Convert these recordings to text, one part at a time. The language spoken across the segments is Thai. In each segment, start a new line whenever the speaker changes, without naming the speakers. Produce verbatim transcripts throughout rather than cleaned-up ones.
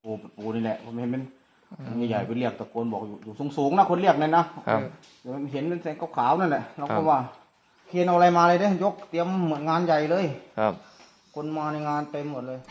ปูปูนี่แหละผมเห็นเป็นใหญ่ๆไปเรียกตะโกนบอกอยู่อยู่สูงๆนะคนเรียกเลยนะครับเดี๋ยวเห็นเป็นแสงขาวๆนั่นแหละเราก็ว่าเคนเอาอะไรมาเลยเด้ยกเตรียมเหมือนงานใหญ่เลย
ครับ
คนมาในงานเต็มหมดเลย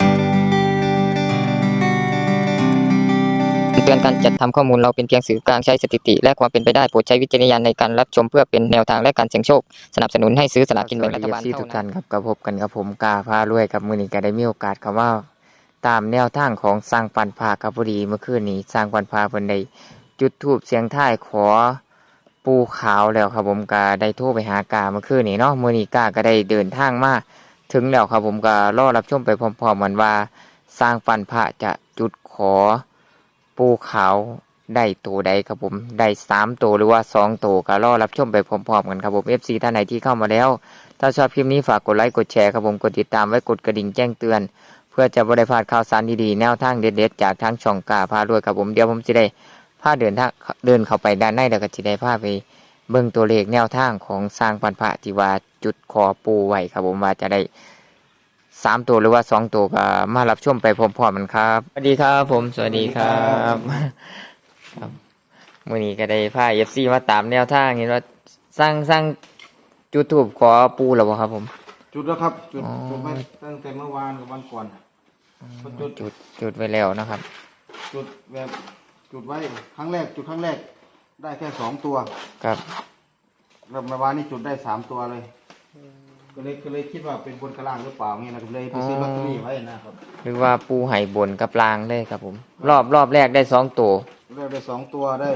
เตือนการจัดทำข้อมูลเราเป็นเพียงสื่อกลางใช้สถิติและความเป็นไปได้โปรดใช้วิจารณญาณในการรับชมเพื่อเป็นแนวทางและการเสี่ยงโชคสนับสนุนให้ซื้อสลากกินแบ่งรัฐบาลเท่านั้นทุกท่านครับกับพบกันกับผมกาพารวยกับมือนี้ก็ได้มีโอกาสคำว่าตามแนวทางของสร้างปันพาครับพอดีเมื่อคืนนี้สร้างปันพาเพิ่นได้จุดธูปเสียงท้ายขอปูขาวแล้วครับผมก็ได้โทรไปหากาเมื่อคืนนี้เนาะมื้อนี้กาก็ได้เดินทางมาถึงแล้วครับผมก็รอรับชมไปพร้อมๆกันว่าสร้างปันพาจะจุดขอปูขาวได้ตัวใดครับผมได้สามตัวหรือว่าสองตัวก็รอรับชมไปพร้อมๆกันครับผม เอฟ ซี ท่านไหนที่เข้ามาแล้วถ้าชอบคลิปนี้ฝากกดไลค์กดแชร์ครับผมกดติดตามไว้กดกระดิ่งแจ้งเตือนเพื่อจะบ่ได้พลาดข่าวสารดีๆแนวทางเด็ดๆจากทางช่องกาพารวยครับผมเดี๋ยวผมจะได้พาเดินทางเดินเข้าไปด้านในแล้วก็จะได้พาไปเบิ่งตัวเลขแนวทางของสร้างปันพระที่ว่าจุดขอปูไว้ครับผมว่าจะได้สามตัวหรือว่าสองตัวก็มารับชมไปพร้อมๆกันครับสวัสดีครับผมสวัสดีครับครับมื้อนี้ก็ได้พา เอฟ ซี มาตามแนวทางเห็นว่าสร้างสร้างจุดธูปขอปูแล้วบ่ครับผม
จุดแล้วครับจุดจุดไปตั้งแต่เมื่อวานกับวันก่อน
จุดจุดจุดไว้แล้วนะครับ
จุดแบบจุดไว้ครั้งแรกจุดครั้งแรกได้แค่สองตัว
ครับ
แล้วเมื่อวานนี้จุดได้สามตัวเลยก็เลยก็เลยคิดว่าเป็นบนกระล่างหรือเปล่าเงี้ยนะก็เลยไปซื้อลอตเตอรี่ไว้นะครับ
หรือว่าปูไห่บนกับลางเลยครับผมรอบรอบแรกได้สองตัว
รอบได้สองตัวได้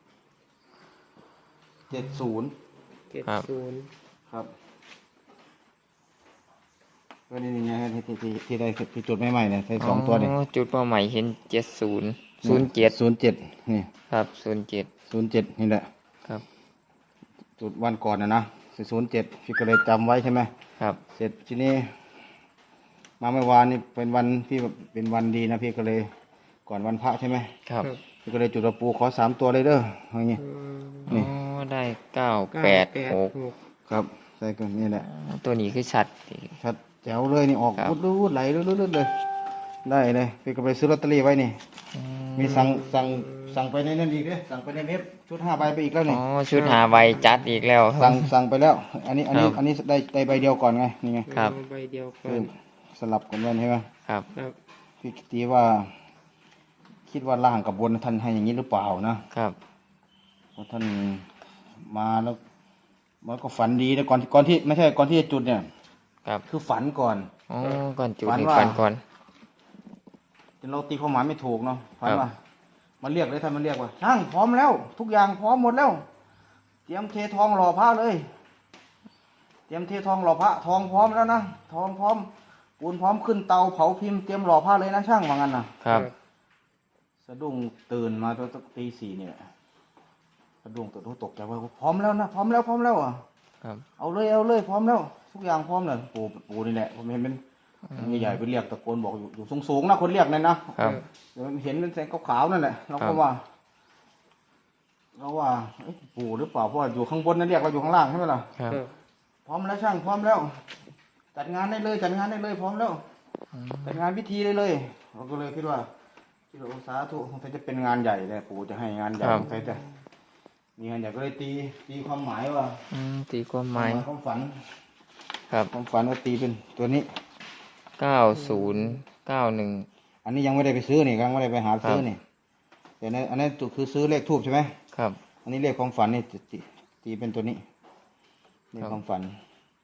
เจ็ดศูนย์
เจ็ดศูนย์
ครับก็นี่ไงที่ที่ที่ที่ได้ที่จุดใหม่ๆเนี่ยใช้สองตัวเนี่ย
จุดเป้าหมายเห็นเจ็ดศูนย์ศูนย์เจ็ด
ศูนย์เจ็ดนี่
ครับศูนย์เจ็ด
ศูนย์เจ็ดนี่แหละ
ครับ
จุดวันก่อนนะนะศูนย์เจ็ดพี่ก็เลยจำไว้ใช่ไหม
ครับ
เสร็จทีนี้มาเมื่อวานนี่เป็นวันที่เป็นวันดีนะพี่ก็เลยก่อนวันพระใช่ไหม
ครับ
พี่ก็เลยจุดปูขอสามตัวเลยเด้ออย่างงี้
นี่ได้เก้าแปดหก
ครับใช่ก็นี่แหละ
ตัวนี้คือชัด
ชัดแจ๋วเลยนี่ออกรุดรุดไหลรุดรุดเลยได้เลยพี่ก็ไปซื้อลอตเตอรี่ไว้นี่มีสั่งสั่งสั่งไปในนั้นอีกเลยสั่งไปในเว็บชุดห้าใบไปอีกแล้วนี่
อ๋อชุดห้าใบจัดอีกแล้ว
สั่งสั่งไปแล้วอันนี้อันนี้อันนี้ได้ได้ใบเดียวก่อนไงนี่ไง
ครับ
ใบเดียวก่อน
สลับกันไว้ใช่ไหม
ครับ
พี่ตีว่าคิดว่าล่างกับบนท่านให้อย่างนี้หรือเปล่านะครับเพราะท่านมาแล้วมันก็ฝันดีแต่ก่อนก่อนที่ไม่ใช่ก่อนที่จะจุดเนี่ย
ครับ
คือฝันก่อน
อ๋อก่อนจุดนี่ฝันก่อน
จนเราตีความหมายไม่ถูกเนาะฝันว่ามันเรียกเลยท่านมันเรียกว่าช่างพร้อมแล้วทุกอย่างพร้อมหมดแล้วเตรียมเททองหล่อพระเลยเตรียมเททองหล่อพระทองพร้อมแล้วนะทองพร้อมปูนพร้อมขึ้นเตาเผาพิมพ์เตรียมหล่อพระเลยนะช่างว่างั้นนะครับสะดุ้งตื่นมาตอนตีสี่เนี่ยสะดุ้งตื่นตกใจว่าพร้อมแล้วนะพร้อมแล้วพร้อมแล้วอ่ะเอาเลยเอาเลยพร้อมแล้วทุกอย่างพร้อมเลยปูปูนี่แหละผมเห็นเป็นใหญ่ๆไปเรียกตะโกนบอกอยู่อยู่สูงๆนะคนเรียกเลยนะครับเดี๋ยวเห็นเป็นแสงขาวๆนั่นแหละเราก็ว่าเราว่าปูหรือเปล่าเพราะอยู่ข้างบนนั่นเรียกเราอยู่ข้างล่างใช่ไหมล่ะพร้อมแล้วช่างพร้อมแล้วจัดงานได้เลยจัดงานได้เลยพร้อมแล้วจัดงานพิธีได้เลยเราก็เลยคิดว่าคิดว่าสาธุคงจะเป็นงานใหญ่เลยปู่จะให้งานใหญ่คงจะมีงานใหญ่ก็เลยตีตีความหมายว่า
ตีความหมาย
ความฝัน
ครับ
ความฝันว่าตีเป็นตัวนี้
เก้าศูนย์เก้าหนึ่ง
อันนี้ยังไม่ได้ไปซื้อนี่ยังไม่ได้ไปหาซื้อนี่แต่ในอันนี้คือซื้อเลขทูบใช่ไหม
ครับ
อันนี้เลขความฝันนี่ตีตีเป็นตัวนี้เลขความฝัน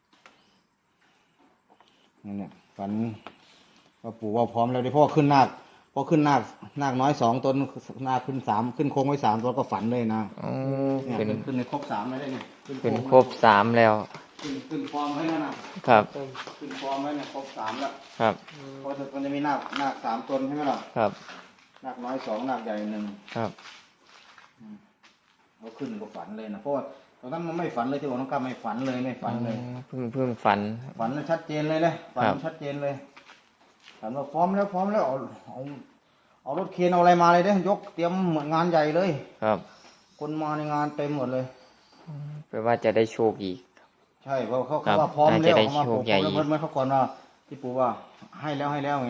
นี่เนี่ยฝันว่าปู่ว่าพร้อมแล้วดิพ่อขึ้นนาคพอขึ้นนาคนาคน้อยสองตนนาคขึ้นสามขึ้นโค้งไว้สามตัวก็ฝันเลยนะเนี่ยขึ้นขึ้นในครบสามไม่ได้เนี่ย
ขึ้นครบสามแล้ว
ขึ้นขึ้นฟอร์มไว้แล้วนะครับขึ้นฟอร์มไว้เนี่ยครบสามแล้ว
ครับ
เพราะมันจะมีนาคนาคสามตนใช่ไหมล่ะ
ครับ
นาคน้อยสองนาคใหญ่หนึ่ง
ครับ
เขาขึ้นก็ฝันเลยนะเพราะว่าตอนนั้นมันไม่ฝันเลยที่ว่าน้องก้าไม่ฝันเลยไม่ฝันเลย
เพิ่งเพิ่งฝัน
ฝันชัดเจนเลยเลยฝันชัดเจนเลยฝันว่าพร้อมแล้วพร้อมแล้วเอาเอาเอารถเคนเอาอะไรมาเลยเด้ยกเตรียมเหมือนงานใหญ่เลย
ครับ
คนมาในงานเต็มหมดเลย
แปลว่าจะได้โชคอีก
ใช่เพราะเขาเขาว่าพร้อมแล้วเขามาผมแล้วเมื่อเขาก่อนว่าที่ปู่ว่าให้แล้วให้แล้วไงนะ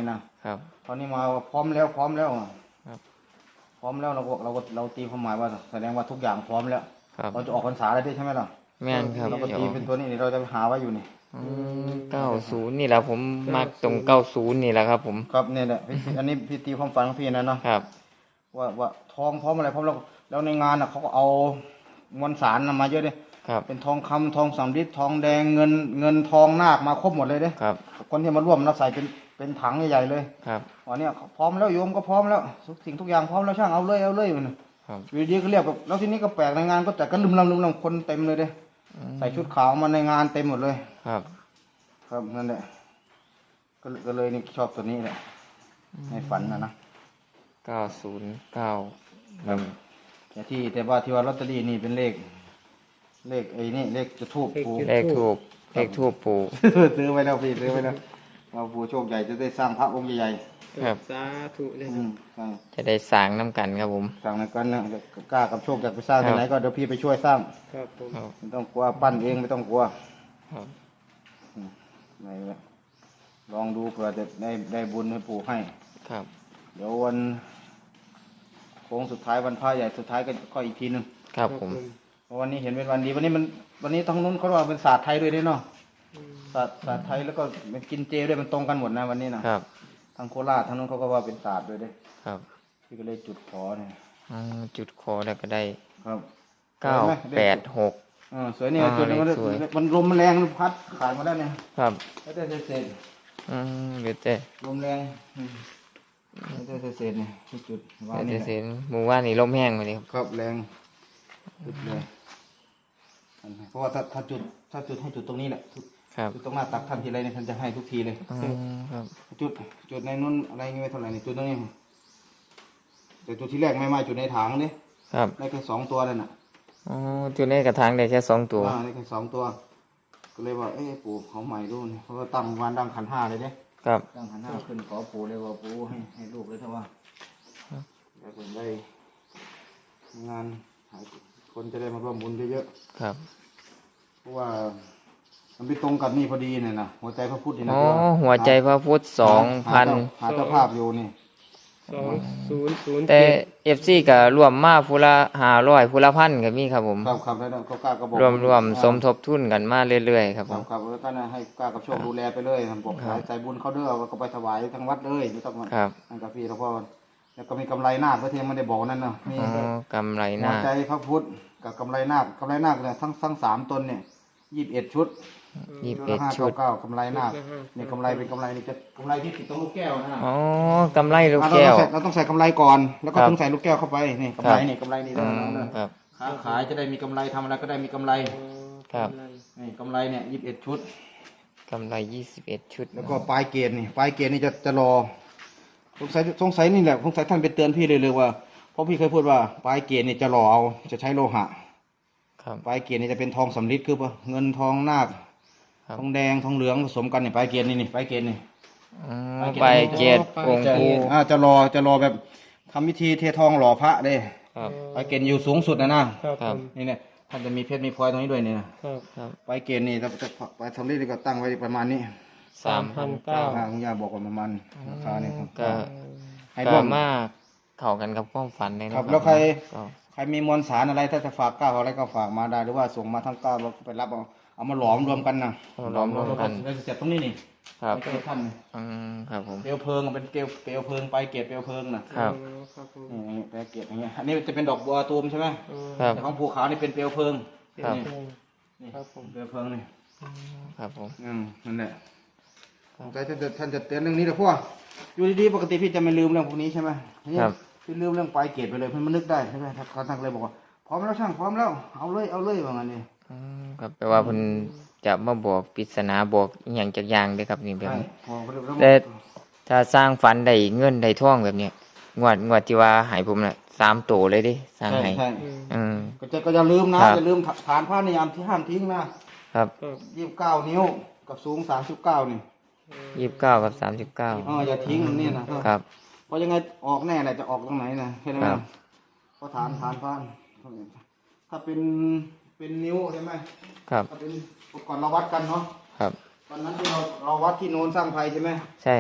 ครับ
ตอนนี้มาพร้อมแล้วพร้อมแล้ว
ครับ
พร้อมแล้วเราก็เราก็เราตีความหมายว่าแสดงว่าทุกอย่างพร้อมแล้ว
ครับ
เราจะออกพรรษาแล้วด้วยใช่ไหมล่ะ
แม่นครับ
เราก็
เดี๋ยว
ตีเป็นตัวนี้นี่เราจะหาไว้อยู่นี่
เก้าศูนย์นี่แหละผมมักตรงเก้าศูนย์นี่แหละครับผม
ครับเนี่ยแหละพี่อันนี้พี่ตีความฝันของพี่นะเนาะ
ครับ
ว่าว่าทองพร้อมอะไรพร้อมแล้วแล้วในงานอ่ะเขาก็เอามวลสารน่ะมาเยอะเลย
ครับ
เป็นทองคำทองสำริดทองแดงเงินเงินทองนาคมาครบหมดเลยเด้
ครับ
คนที่มาร่วมเราใส่เป็นเป็นถังใหญ่ๆเลย
ครับ
วันเนี้ยพร้อมแล้วโยมก็พร้อมแล้วทุกสิ่งทุกอย่างพร้อมแล้วช่างเอาเลยเอาเลยมัน
ครับ
อยู่ดีก็เรียกแบบแล้วทีนี้ก็แปลกในงานก็แต่ก็ลืมลำลืมลำคนเต็มเลยเด้ใส่ชุดขาวมาในงานเต็มหมดเลย
ครับ
ครับนั่นแหละก็ก็เลยนี่ชอบตัวนี้แหละในฝันนะนะ
เก้าศูนย์เก้าหนึ่ง
แต่ที่แต่ว่าที่ว่าลอตเตอรี่นี่เป็นเลข เลขไอ้นี่เลขจะทูบปู
เลขทูบเลขทูบปู่
ซื้อไว้แล้วพี่ซื้อไว้แล้วว่าปูโชคใหญ่จะได้สร้างพระองค์ใหญ่
ครับ
สาธุเลย
ๆ
ค
อื
รับ
มใช่
จะได้สร้างน้ำกันครับผม
สร้างในกันนะกล้ากับโชคอยากไปสร้าง
ครับ
ที่ไหนก็เดี๋ยวพี่ไปช่วยสร้าง
ครับผม
ครับ
ไม่ต้องกลัวปั้นเองไม่ต้องกลัว
ครับ
ไหนวะลองดูเผื่อจะได้ได้บุญให้ปู่ให้
ครับ
เดี๋ยววันโค้งสุดท้ายวันพระใหญ่สุดท้ายก็ก็อีกทีหนึง
ครับผม
เพราะวันนี้เห็นเป็นวันดีวันนี้มันวันนี้ทางนู้นเขาว่าเป็นศาสตร์ไทยด้วยด้วยเนาะศาสตร์ศาสตร์ไทยแล้วก็เป็นกินเจด้วยมันตรงกันหมดนะวันนี้นะครับ ทางโคราชทางนู้นเขาก็ว่าเป็นศาสตร์ด้วยเด้
ครับ
พี่ก็เลยจุดขอเนี่ย
อืมจุดคอแล้วก็ได้
ครับ
เก้าแปดหก
เออสวยนี่
อ่า
จุดนี้มัน
เลขสวย
มันลมมันแรงมันพัดขาดมาแล้วเนี่ย
ครับ
แล้วแต่เศษ
อืมเดี๋ยวเจ๊
ๆลมแรงอืมแล้วแต่เศษๆเนี่ยที่จุดวาง
เดี๋
นี่
ยว
แห
เสี
ละ
ยหมู่ว่านนี่ลมแห้งไปเลยครับ
ครับแรงจุดเลยเพราะว่าถ้าถ้าจุดถ้าจุดให้จุดตรงนี้แหละจุด
ครับ
จุดตรงหน้าตักท่านทีไรเนี่ยท่านจะให้ทุกทีเลย
อืมครับ
จุดจุดในนู้นอะไรเงี้ยไม่เท่าไหร่นี่จุดตรงนี้แต่จุดที่แรกไม่มาจุดในถังนี่
ครับ
ได้แค่สองตัวนั่นน่ะ
อ๋อจุดนี้กระถางได้แค่สองตัว
อ่าได้แค่สองตัว ก็เลยว่าเอ้ปู่เขาใหม่ดูนี่เพราะว่าตั้งวันดังขันห้าเลยเนี่ย
ครับ
ตั้งขันห้าขึ้นขอปู่เลยว่าปู่ให้ให้ลูกเลยถ้าว่าแล้วก็ได้งานหาคนจะได้มาร่วมบุญเยอะ
ครับ
ๆเพราะว่ามันไปตรงกับนี่พอดีเนี่ยนะหัวใจพระพุทธนี่นะ
อ๋อ
ที่า
หัวใจพระพุทธสองพัน
หาเจ้าภาพอยู่นี่
สองศูนย์ศูนย์
แต่
เจ็ด
เอฟซีก็รวมมาผู้ละห้าร้อยผู้ละพันก็มีครับผม
ครับครับแล้วก็กล้าก็บอก
รวมรวมสมทบทุนกันมาเรื่อยๆครับ
ค
ผ
รับ
ม
ครับแล้วท่านน่ะให้กล้ากับโชคดูแลไปเลยผมบอก
ครับ
ใจบุญเขาเด้อก็ไปถวายทั้งวัดเลยไม่ต้องมา
ครับ
นั่นกับพี่หลวงพ่อแล้วก็มีกำไรนาคพระเทียมไม่ได้บอกนั่นเนาะมี
อ๋อกำไรห
หั
น้าว
ใจพระพุทธกับกำไรนาคกำไรนาคเนี่ยทั้งทั้งสามตนเนี่ยยี่สิบเอ็ดชุด
ยี่สิบ
ชุ
เอ็
ด
ด
ละห้า
ชุ
เก้า
ด
เก้ากำไรนาคเนี่ยกำไรเป็นกำไรนี่จะกำไรที่ติดตรงลูกแก้วนะ
อ๋อกำไรลูก
อ่ะ
แก้ว
เราต้องใส่เราต้องใส่กำไรก่อน แล้วก็
ครับ
ถึงใส่ลูกแก้วเข้าไปนี่กำไรนี่กำไรนี่
อื
ได้
ม
แล้ว
ครับ
ค้าขายจะได้มีกำไรทำอะไรก็ได้มีกำไร
ครับ
นี่กำไรเนี่ยยี่สิบเอ็ดชุด
กำไรยี่สิบเอ็ดชุด
แล้วก็ปลายเกณฑ์นี่ปลายเกณฑ์นี่จะจะรอสงสัยสงสัยนี่แหละสงสัยท่านไปเตือนพี่เลยเลยว่าเพราะพี่เคยพูดว่าปลายเกณฑ์นี่จะรอเอาจะใช้โลหะ
ครับ
ปลายเกณฑ์นี่จะเป็นทองสำริดคือปะเงินทองนาค
ครับ
ทองแดงทองเหลืองผสมกันนี่ปลายเกณฑ์นี่นี่ปลายเกณฑ์นี่
อืมใบเกียรติองค์
จะ
ปู่
อ่าจะรอจะรอแบบทำพิธีเททองหล่อพระเด้
ครับ
ปลายเกณฑ์อยู่สูงสุดนะนะครับ
ครับ
นี่เนี่ยท่านจะมีเพชรมีพลอยตรงนี้ด้วยเนี่ย
ครับ
ครับ
ปลายเกณฑ์นี่จะจะปลายสำริดนี่ก็ตั้งไว้ประมาณนี้
สามพันเก้า
อ่าคุณย่าบอกว่าประมาณราคาเนี่ยครับ
ก็
ให้
ก็
ร่วม
มากเข้ากันกับความฝันเลยนะครับ
แล้วใคร
ก็
ใครมีมวลสารอะไรถ้าจะฝากก้าวอะไรก็ฝากมาได้หรือว่าส่งมาทั้งก้าวเราไปรับเอาเอามาหลอมรวมกันนะ
เอาล้อมรวมกัน
เราจะเสร็จตรงนี้นี่
ครับ
ไม่ใช่ท่านนี่
อืมครับผม
เปลวเพลิงเป็นเกลวเปลวเพลิงไปเกศเปลวเพลิงนะครับ
ครับผม
นี่ไปเกศอย่างเงี้ยอันนี้จะเป็นดอกบัวตูมใช่ไหม
ครับ
แต่ของภูเขานี่เป็นเปลวเพลิง
ครับ
นี่นี่
ครับผม
เปลวเพลิงนี่
ครับผม
อืมนั่นแหละใจท่านจะท่านจะเตือนเรื่องนี้แต่พวกอยู่ดีๆปกติพี่จะไม่ลืมเรื่องพวกนี้ใช่ไหมนี่
ครับ
พี่ลืมเรื่องปลายเกศไปเลยเพื่อนมันนึกได้ใช่ไหมท่านท่านเลยบอกว่าพร้อมแล้วช่างพร้อมแล้วเอาเลยเอาเลยว่างั้นนี่
อืมครับแปลว่าเพิ่นจะมาบอกปริศนาบอกอหย่างจากอย่างเด้อครับนี่แบบ
ใช่
นี้
พอเขาเรียกว่า
แต่ถ้าสร้างฝันได้เงินได้ทองแบบเนี้ยงวดงวดที่ว่าใหายผมน่ะสามโตเลยเดิสร้าง
ใช่
ให้
ใช่
อืม
ก็จะก็อย่าลืมนะครับ อย่าลืมฐานผ้านิยามที่ห้ามทิ้งนะครับ
ครับ
ยี่สิบเก้านิ้วกับสูงสามสิบเก้านี่
ยี่สิบเก้ากับสามสิบเก้า
เอออย่าทิ้งนี่นะครับ เพราะยังไงออกแน่แหละจะออกตรงไหนนะใช่ไหม
ครับ
เพราะฐานฐานผ้าถ้าเป็นเป็นนิ้วใช่ไหม
ครับ
ถ้าเป็นก่อนเราวัดกันเนาะ
ครับ
วันนั้นที่เราเราวัดที่โน้นสร้างไฟใช่ไหม
ใช่ครับ
ท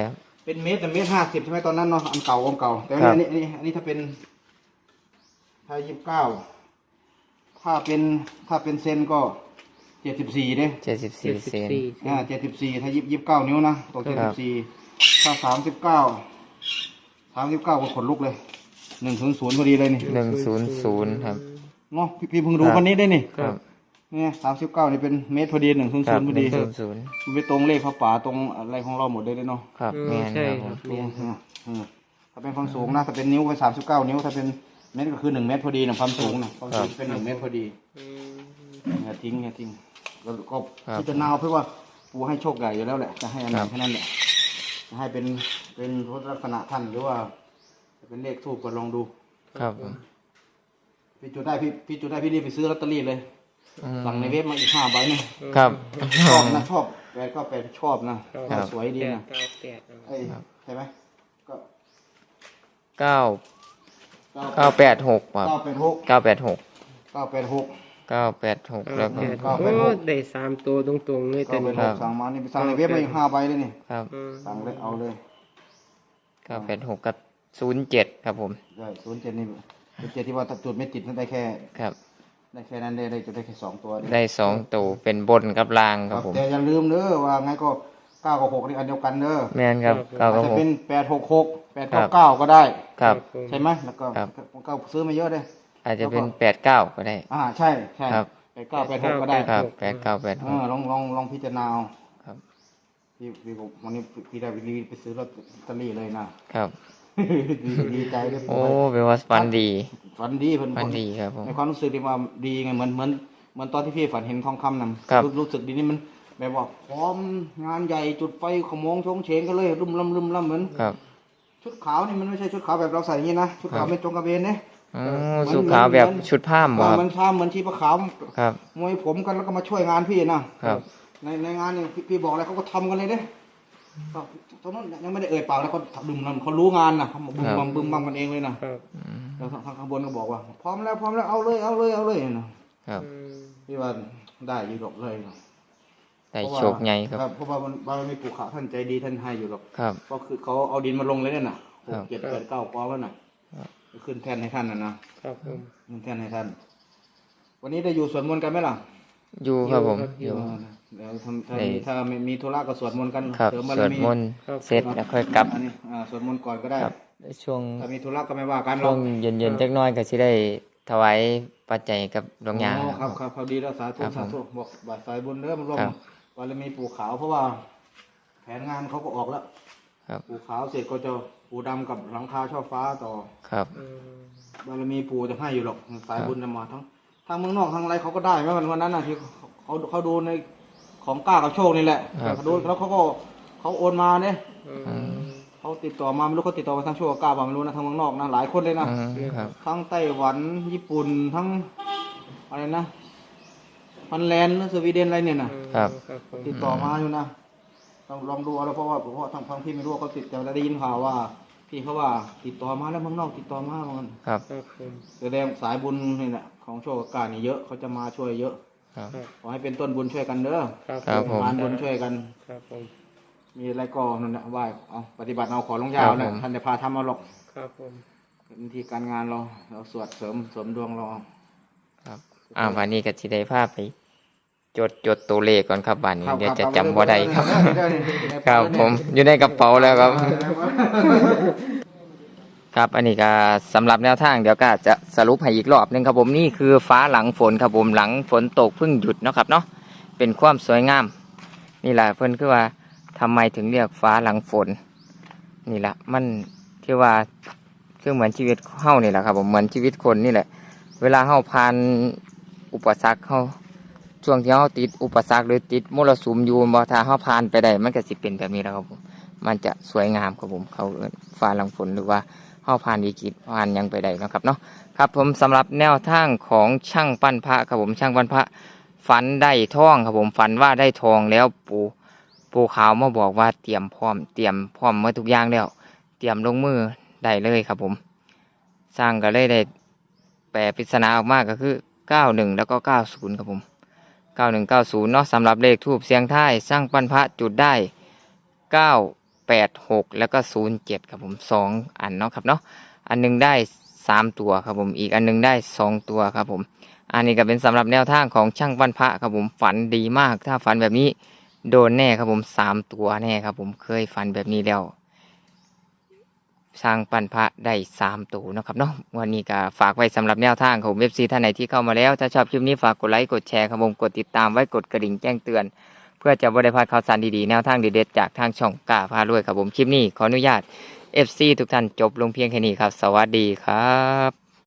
เป็นเมตรแต่เมตรห้าสิบใช่ไหมตอนนั้นเนาะอันเก่าอันเก่าแต่
ครั
อั
บ
นนี้อันนี้อันนี้ถ้าเป็นถ้ายี่สิบเก้าถ้าเป็นถ้าเป็นเซนก็เจ็ดสิบสี่เด้
เจ็ดสิบสี่เซน
อ่าเจ็ดสิบสี่ถ้ายี่สิบเก้านิ้วนะตก
ครั
เจ็ด
บ
สิบสี่ถ้าสามสิบเก้าสามสิบเก้าก็ขนลุกเลยหนึ่งศูนย์ศูนย์พอดีเลยนี่
หนึ่งศูนย์ศูนย์ครับ
เนาะพี่พี่เพิ่งดู
ครับ
คนนี้ได้นี่
ครับ
เนี่ยสามสิบเก้านี่เป็นเมตรพอดีหนึ่งศูนย์
ครั
ศู
บ
นย์พอ
ห
ดี
นึ่งศูนย์ศูนย์
มันไปตรงเลขพระป่าตรงอะไรของเราหมดเลยเด้เนาะ
ครับ
อืม
แม่น
ใช่
ครับ
ค
ผ
รับ
ม
แม่น
อืมอืมถ้าเป็นความสูงนะถ้าเป็นนิ้วไปสามสิบเก้านิ้วถ้าเป็นเมตรก็คือหนึ่งเมตรพอดีนะความสูงนะความสูงเป็นหนึ่งเมตรพอดี
อืม
อย่าทิ้งอย่าทิ้งแล้วก็
ครับ
พิจารณาเพื่อว่าปูให้โชคใหญ่อยู่แล้วแหละจะให้อันไหน
ครับ
แค่นั้นแหละจะให้เป็นเป็นลักษณะท่านหรือว่าจะเป็นเลขทูบก็ลองดู
ครับผม
พี่จุดได้พี่พี่จุดได้พี่รีบไปซื้อลอตเตอรี่เลย
อืม
สั่งในเว็บมาอีกห้าใบเนี่ย
ครับ
ชอบนะชอบแปดก็แปดชอบนะ
ครับ
สวยดี
แปด
นะ
เก้าแปดเอา
เอ้ยใช่ไหมก็
เก้าเก้าแปดหกครับ
เก้าแปดหก
เก้าแปดหก
เก้าแปดหก
เก้าแปดหกแล้วก็
แปด
เก้าแปดหก
โอ้ได้สามตัวตรงๆเลยแต่
เก้าแป
นี่
ดหกสั่งมานี่ไปสั่งในเว็บมาอีกห้าใบเลยนี่
ครับ
อืม
สั่งเลยเอาเลย
เก้าแปดหกกับศูนย์เจ็ดครับผม
ได้ศูนย์เจ็ดนี่ศูนย์เจ็ดที่ว่าถ้าจุดไม่ติดนั่นได้แค่
ครับ
ได้แค่นั้นได้ได้จุดได้แค่สองตัว
ได้สองตัวเป็นบนกับล่างครับผม
แต่อย่าลืมเด้อว่าไงก็เก้ากับหกนี่อันเดียวกันเด้อ
แม่นครับเก้า
อาจ
กับ
จะ
หก
เป็นแปดหกหกแปด
ครั
เก้า
บ
เก้าก็ได้
ครับ
ผม
ใช่ไหมแล้วก็
ครับ
ก็ซื้อมาเยอะเลย
อาจจะเป็นแปดเก้าก็ได้
อ่าใช่ใช่
ครับ
แปดเก้าแปดหกก็ได้
ครับแปดเก้าแปดห
เอก อลองลองลองพิจารณาเอา
ครับ
พี่พี่ผมวันนี้พี่ได้รีบไปซื้อลอตเตอรี่เลยนะครับ ดีดีใจด้วย
โอ้เป็นว่าฝันดี
ฝันดีเพิ่น
ฝันดีครับผม
ในความรู้สึกที่ว่าดีไงเหมือนเหมือนเหมือนตอนที่พี่ฝันเห็นทองคำนั่น
ครับ
รู้สึกดีนี่มันแบบว่าพร้อมงานใหญ่จุดไฟขโมงชงเฉงกันเลยรุ่มล่ำรุ่มล่ำเหมือน
ครับ
ชุดขาวนี่มันไม่ใช่ชุดขาวแบบเราใส่อย่างนี้นะชุดขาวเป็นจงกระเบนเนี่ย
อ๋อสุขาวแบบชุดผ้าหมอ
ว่า
ครับ
มันช้าเหมือนชีพขาว
ครับ
มวยผมกันแล้วก็มาช่วยงานพี่นะครับ ในในงานนี่พี่พี่บอกอะไรเขาก็ทำกันเลยเด้ก็ตอนนั้นยังไม่ได้เอ่ยปากแล้วเขาดึมเขารู้งานนะเขาบึ้มบัมบึ้มบัมกันเองเลยนะครับ
อืม
แล้วทางข้างบนก็บอกว่า พร้อมแล้วพร้อมแล้วเอาเลยเอาเลยเอาเลยนะครับ
อืม
พี่ว่าได้อยู่หรอกเลยนะ
ได้โชคใหญ่ครับ
เพราะว่ามันบารมีปู่ขาวท่านใจดีท่านให้อยู่หรอก
ครับ
ก็คือเขาเอาดินมาลงเลยเนี่ยน่ะห
ครั
ก
บ
เจ็ดแปดเก้ากองแล้วน่ะ
ครับ
ขึ้นแท่นให้ท่านนะนะครับ
ผม
ขึ้นแท่นให้ท่าน วันนี้ได้อยู่สวดมนต์กันไหมล่ะ
อยู่ครับผม
อ
อยู่ ยู่
เดี๋ยวถ้าถ้า
ได้
มีถ้าไม่มีธุระก็สวดมนต์กัน
ครับ
เสริมบาร
สวด
มี
มนต์เสร็จแล้วค่อยกลับ
อันนี้อ่าสวดมนต์ก่อนก็ได้
ครับช่วง
ถ้ามีธุระก็ไม่ว่ากันหร
ช่
อ
ว
ก
งเย็นๆจักหน้อยก็สิได้ถวายปัจจัยกับหลวงยา
อ๋อครับครับเขาดีแล้วสาธุ
ครับ
สาธุบอกบาทสายบุญเด้อมันร่วม
ครับ
บารมีปู่ขาวเพราะว่า แผนงานเขาก็ออกแล้ว
ครับ
ปู่ขาวเสร็จก็จะปู่ดำกับหลังคาช่อฟ้าต่อ
ครับ
อืม
บารมีปู่จะให้อยู่หรอกสายบุญจะมาทั้งทางเมืองนอกทางอะไรเขาก็ได้ไหมวันวันนั้นน่ะที่เขาเขาเขาดูในของกล้ากับโชคนี่แหละ
ครับ
เขาดูแล้วเขาก็เขาโอนมาเนี่ย
อืม
เขาติดต่อมาไม่รู้เขาติดต่อมาทางโชคกับกล้าบ่าไม่รู้นะทางเมืองนอกนะหลายคนเลยนะ
อืมครับ
ทั้งไต้หวันญี่ปุ่นทั้งอะไรนะฟันแลนด์หรือสวีเดนอะไรเนี่ยนะครับ
ครับผม
ติดต่อมาอยู่นะลองลองดูเอาแล้วเพราะว่าเพราะว่าทางทางพี่ไม่รู้ว่าเขาติดแต่ได้ยินข่าวว่า พี่เขาว่าติดต่อมาแล้วเมืองนอกติดต่อมาเหมือนกัน
ครับ
ครับผม
แสดงสายบุญนี่แหละของโชคกับกล้านี่เยอะเขาจะมาช่วยเยอะ
ครับ
ขอให้เป็นต้นบุญช่วยกันเด้อ
ครับ
ครับผม
งานบุญช่วยกัน
ครับผม
มีอะไรก็นั่นแหละไหว้เอาปฏิบัติเอาขอลงยาวนะท่านจะพาทำเอาหรอก
ครับผม
เป็นที่การงานเราเราสวดเสริมเสริมดวงเราเอา
ครับอ่าวันนี้ก็สิได้พาไปจดจดตัวเลขก่อนครับวันนี้
ครับ
เดี๋ยวจะ
ครับ
จำบ่ได้ครับ
ได้ได้ได้
ครับผมอยู่ในกระเป๋าแล้วครับ ครับอันนี้ก็สำหรับแนวทางเดี๋ยวก็จะสรุปให้อีกรอบหนึงครับผมนี่คือฟ้าหลังฝนครับผมหลังฝนตกเพิ่งหยุดเนาะครับเนาะเป็นความสวยงาม นี่แหละเพิ่นคือว่าทำไมถึงเรียกฟ้าหลังฝน นี่แหละมันคือว่าคือเหมือนชีวิตเฮานี่แหละครับผมเหมือนชีวิตคนนี่แหละ เวลาเฮาผ่านอุปสรรคเฮาช่วงที่เฮาติดอุปสรรคหรือติดมรสุมอยู่บ่ถ้าเฮาผ่านไปได้มันก็สิเป็นแบบนี้แหล้วครับผมมันจะสวยงามครับผมเขาเอิ้นฟ้าหลังฝนหรือว่าเฮาผ่านวิกฤตผ่านหยังไปได้เนาะครับเนาะครับผมสำหรับแนวทางของช่างปั้นพระครับผมช่างปั้นพระฝันได้ทองครับผมฝันว่าได้ทองแล้วปู่ปู่ขาวมาบอกว่าเตรียมพร้อมเตรียมพร้อมมาทุกอย่างแล้ว เตรียมลงมือได้เลยครับผม สร้างก็เลยได้แปลปริศนาออกมาก็คือเก้าหนึ่งแล้วก็เก้าศูนย์ครับผมเก้าหนึ่งเก้าศูนย์เนาะสำหรับเลขทูบเสียงท้ายสร้างปั้นพระจุดได้เก้าแปดหกแล้วก็ศูนย์เจ็ดครับผมสองอันเนาะครับเนาะอันหนึงได้สามตัวครับผมอีกอันหนึงได้สองตัวครับผมอันนี้ก็เป็นสำหรับแนวทางของช่างวันพระครับผมฝันดีมากถ้าฝันแบบนี้โดนแน่ครับผมสามตัวแน่ครับผมเคยฝันแบบนี้แล้วช่างปันพระได้สามตัวนะครับเนาะวันนี้ก็ฝากไว้สำหรับแนวทางของเว็บซีท่านไหนที่เข้ามาแล้วถ้าชอบคลิปนี้ฝากกดไลค์กดแชร์ครับผมกดติดตามไว้กดกระดิ่งแจ้งเตือนเพื่อจะบ่ได้พลาดข่าวสารดีๆแนวทางเด็ดๆจากทางช่องกล้าพารวยครับผมคลิปนี้ขออนุญาต เอฟ ซี ทุกท่านจบลงเพียงแค่นี้ครับสวัสดีครับ